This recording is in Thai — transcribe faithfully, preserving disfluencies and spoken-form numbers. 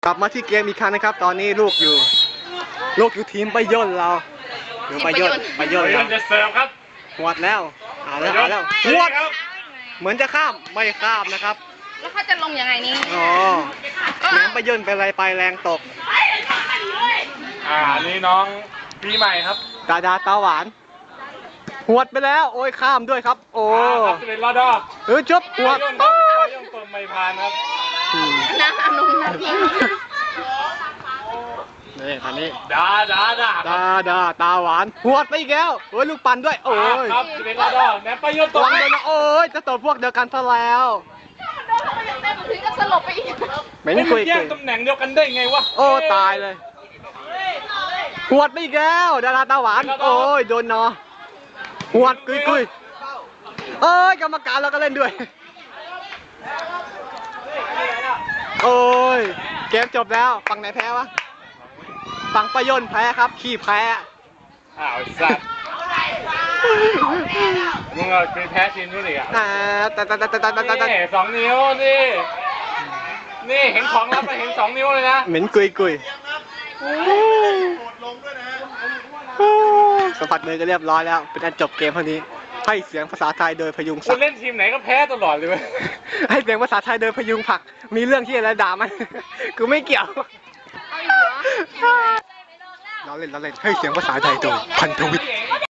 กลับมาที่เกมอีกครั้งนะครับตอนนี้ลูกอยู่ลูกอยู่ทีมไปย่นเราอยู่ไปย่นไปย่นเราจะเสิร์ฟครับหวดแล้วเอาแล้วเอาแล้วหวดเหมือนจะข้ามไม่ข้ามนะครับแล้วเขาจะลงยังไงนี่อ๋อแหนมไปย่นไปอะไรไปแรงตกอ่านี่น้องปีใหม่ครับดาดาตาหวานหวดไปแล้วโอ้ยข้ามด้วยครับโอ้ครับจะเป็นรอดอเออจบหวดย่งต้นไม่พานครับน้ำอนุนาทีนี่ท่านนี้ดาดาดาดาดาตาหวานหวดไปอีกแล้วโอ้ยลูกปั่นด้วยโอ้ยครับจะเป็นรอดอแหนมไปย่นตัวโอ้ยจะตบพวกเดียวกันซะแล้วถึงก็สลบไปอีกไม่ได้คุยแย่งตำแหน่งเดียวกันได้ไงวะโอ้ตายเลยหวดไปอีกแล้วดาราตาหวานโอ้ยโดนนอหวดกุยกุยเอ้ยกรรมการเราก็เล่นด้วยโอ้ยเกมจบแล้วฝั่งไหนแพ้วะฝั่งประยนต์แพ้ครับขี้แพ้อ้าวสัตว์มึงเอาไปแพ้ทีมนู้นอีกอ่ะแต่แต่แต่แต่แต่แต่นี่สองนิ้วนี่นี่เห็นของรับไปเห็นสองนิ้วเลยนะเหม็นกุยกุยสัมผัสมือก็เรียบร้อยแล้วเป็นอันจบเกมเท่านี้ให้เสียงภาษาไทยโดยพยุงศักดิ์เล่นทีมไหนก็แพ้ตลอดเลยให้เสียงภาษาไทยโดยพยุงผักมีเรื่องที่อะไรด่ามันกูไม่เกี่ยวเราเล่นเราเล่นให้เสียงภาษาไทยโดยพันธวิทย์